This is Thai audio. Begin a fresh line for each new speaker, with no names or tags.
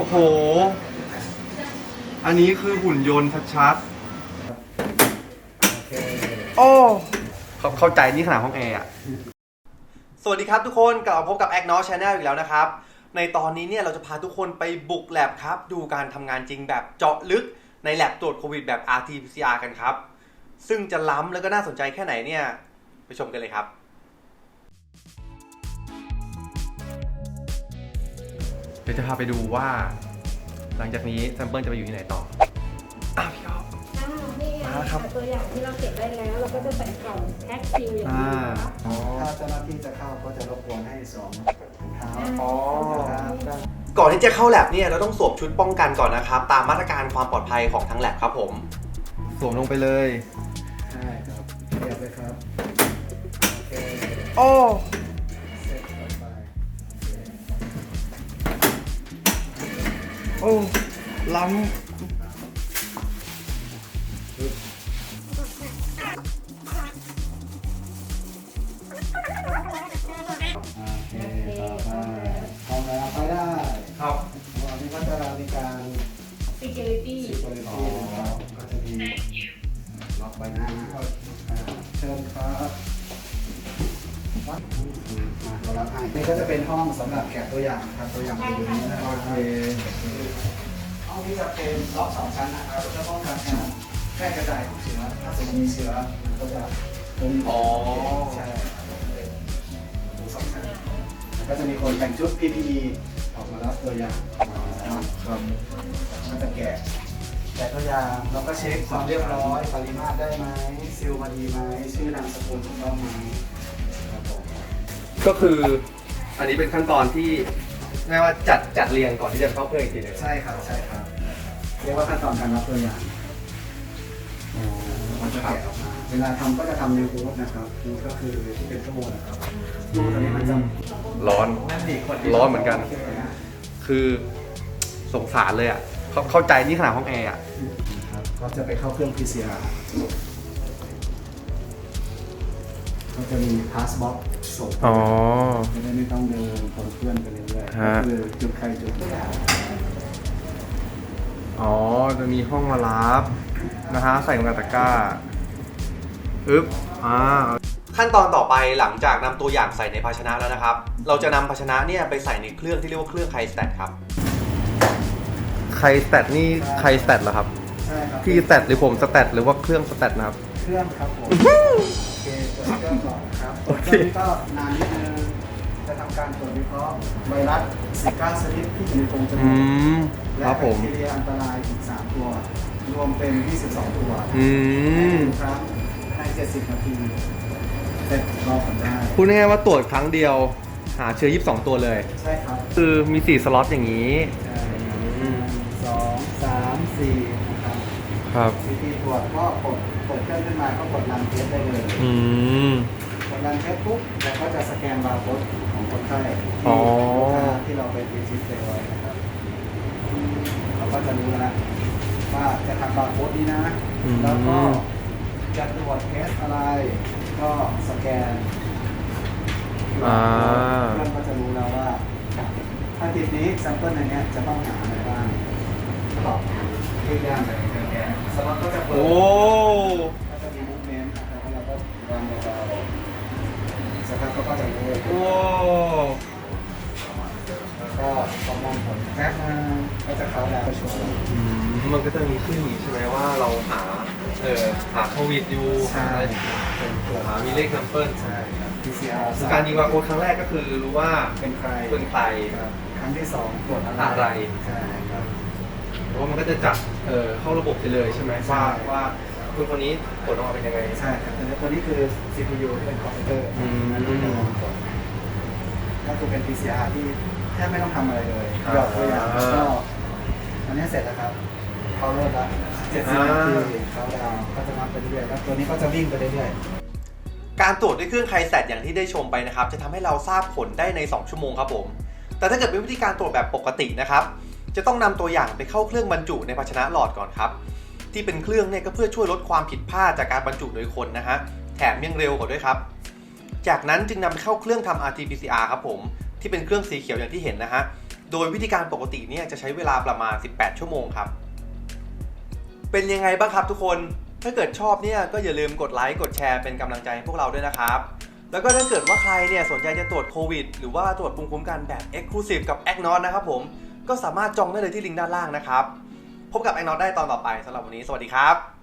อ้โหอันนี้คือหุ่นยนต์ชัดๆโอ้เข้าใจนี่ขนาดห้องแอร์อะสวัสดีครับทุกคนกลับมาพบกับ Agnos Channel อีกแล้วนะครับในตอนนี้เนี่ยเราจะพาทุกคนไปบุกแลบครับดูการทำงานจริงแบบเจาะลึกในแลบตรวจโควิดแบบ RT-PCR กันครับซึ่งจะล้ำแล้วก็น่าสนใจแค่ไหนเนี่ยไปชมกันเลยครับเดี๋ยวจะพาไปดูว่าหลังจากนี้แซมเปิลจะไปอยู่ที่ไหนต่อพี่อ๊อฟ
นี่ไงตัวอย่างที่เราเก็บได้แล้วเราก็จะใส่กล่องแพ็คซีลอย่างนี้นะคะ
ถ้าเจ้าหน้าที่จะเข้าก็จะรบกวนให้สวมถุงเท้า
ก่อนที่จะเข้าแลบเนี่ยเราต้องสวมชุดป้องกันก่อนนะครับตามมาตรการความปลอดภัยของทั้งแลบครับผมสวมลงไปเลย
ใช่ครับเรียบเลยครับโอเค
โอ้
เสร็จต่อไป
โอ้ล้ำ
เอาแล้วไปได้
ครับ
วันนี้ก็จะมีการ
security
นะครับก็จะมีล็อกใบหน้าเชิญครับมาเรารับให้นี่ก็จะเป็นห้องสำหรับแกะตัวอย่างครับตัวอย่างอยู่นี้นะครับห้องนี้จะเป็นล็อก2 ชั้นนะครับเพื่อป้องกันการแพร่กระจายของเชื้อถ้าสมมติมีเชื้อมันก็จะใช่2 ชั้นก็จะมีคนแต่งชุด PPE ออกมารับตัวอย่างครับก็จะแกะตัวอย่างแล้วก็เช็คความเรียบร้อยปริมาตรได้ไหมซิลมาดีไหมชื่อนามสกุลถูกต้องไหมครับผม
ก็คืออันนี้เป็นขั้นตอนที่เรียกว่าจัดเรียงก่อนที่จะเข้าเครื่องอีกทีนึง
ใช่ครับเรียกว่าขั้นตอนการรับตัวอย่างมันจะแกะออกมาเวลาทำก็จะทำในรูทนะครับรูทก็คือที่เป็นชั่วโมงนะครับรูทตัวนี้มันจะ
ร้อนเหมือนกันคือสงสารเลยอ่ะเข้าใจนี่ขนาดห้องแอร์อ่ะ
ก็จะไปเข้าเครื่อง PCR ก็จะมีพาสบ็อกส่งไม่ต้องเดินคนเพื่อนไปเรื่อยๆคือจุดใครจุด
จะมีห้องมารับนะฮะใส่ลงในตะกร้าขั้นตอนต่อไปหลังจากนำตัวอย่างใส่ในภาชนะแล้วนะครับเราจะนำภาชนะเนี่ยไปใส่ในเครื่องที่เรียกว่าเครื่องไคสแตทครับไคสแตทนี่ไคสแตทเหรอครับ
ใช่ครับ
พี่สแตทหรือผมสแตทหรือว่าเครื่องสแตทนะครับ
เครื่องครับผมโอเคเปิดเครื่องก่อนครับเครื่องนี้ก็นานนิดนึงจะทำการตรวจวิเคราะห์ไวรัสซิก้าชนิดที่อยู่ในโพรงจมูกและแบคทีเรียอันตรายอีก3 ตัวรวมเป็น22 ตัวครับใน70 นาทีเสร็จรอผลได้
พูดง่ายๆว่าตรวจครั้งเดียวหาเชื้อ22 ตัวเลย
ใช่ครับ
คือมี4 สล็อตอย่างนี้
2 3 4นะครับ
ครับ
วิธีตรวจก็กดเครื่องขึ้นมาก็กดรันเทสได้เลยกดรันเทสปุ๊บแล้วก็จะสแกนบาร์โค้ดของคนไข้ที่เราไปรีจิสเตอร์ไว้นะครับเราก็จะรู้แล้วว่าจะทำบาร์โค้ดนี้นะแล้วก็จะตรวจเทสอะไรก็สแกนเพื่อนก็จะรู้แล้วว่าถ้าทีนี้แซมเปิลในนี้จะต้องหาอะไรบ้างตอบยืดย่างแบบแกะสล็อตก็จะเปิดก็จะมีมูฟเมนต์นะครับแล้วเราก็วางเบาๆสักพักก็จะรู้แล้วก็ประมวลผลแป๊บมาก็จะเข้าแล้วช่วย
มันก็จะมีขึ้นอีกใช่ไหมว่าเราหาโควิดอยู่หามีเลขนัมเปิล
ใช่ครับ PCR
การยิงบาร์โค้ดครั้งแรกก็คือรู้ว่า
เป็นใครครั้งที่2ตรวจ
อะไร
ใช่ครับ
เพราะมันก็จะจับเข้าระบบไปเลยใช่ไหมว่าคนนี้ผลออกมาเป็นยังไง
ใช่ครับแต่ตัวนี้คือ CPU ที่เป็นคอมพิวเตอร์ก็คือเป็น PCR ที่แทบไม่ต้องทำอะไรเลยหยอดตัวอย่างแล้วก็อันนี้เสร็จแล้วครับเขาเริ่มแล้ว70 นาทีเขาดาวก็จะนับไปเรื่อยๆแล้วตัวนี้ก็จะวิ่งไปเรื่อย
ๆการตรวจด้วยเครื่องไคสแตทอย่างที่ได้ชมไปนะครับจะทำให้เราทราบผลได้ใน2 ชั่วโมงครับผมแต่ถ้าเกิดเป็นวิธีการตรวจแบบปกตินะครับจะต้องนำตัวอย่างไปเข้าเครื่องบรรจุในภาชนะหลอดก่อนครับที่เป็นเครื่องเนี่ยก็เพื่อช่วยลดความผิดพลาดจากการบรรจุโดยคนนะฮะแถมยังเร็วกว่าด้วยครับจากนั้นจึงนำเข้าเครื่องทำ RT-PCR ครับผมที่เป็นเครื่องสีเขียวอย่างที่เห็นนะฮะโดยวิธีการปกติเนี่ยจะใช้เวลาประมาณ18ชั่วโมงครับเป็นยังไงบ้างครับทุกคนถ้าเกิดชอบเนี่ยก็อย่าลืมกดไลค์กดแชร์เป็นกำลังใจให้พวกเราด้วยนะครับแล้วก็ถ้าเกิดว่าใครเนี่ยสนใจจะตรวจโควิดหรือว่าตรวจภูมิคุ้มกันแบบ Exclusive กับ AcNOT นะครับผมก็สามารถจองได้เลยที่ลิงก์ด้านล่างนะครับพบกับ AcNOT ได้ตอนต่อไปสำหรับวันนี้สวัสดีครับ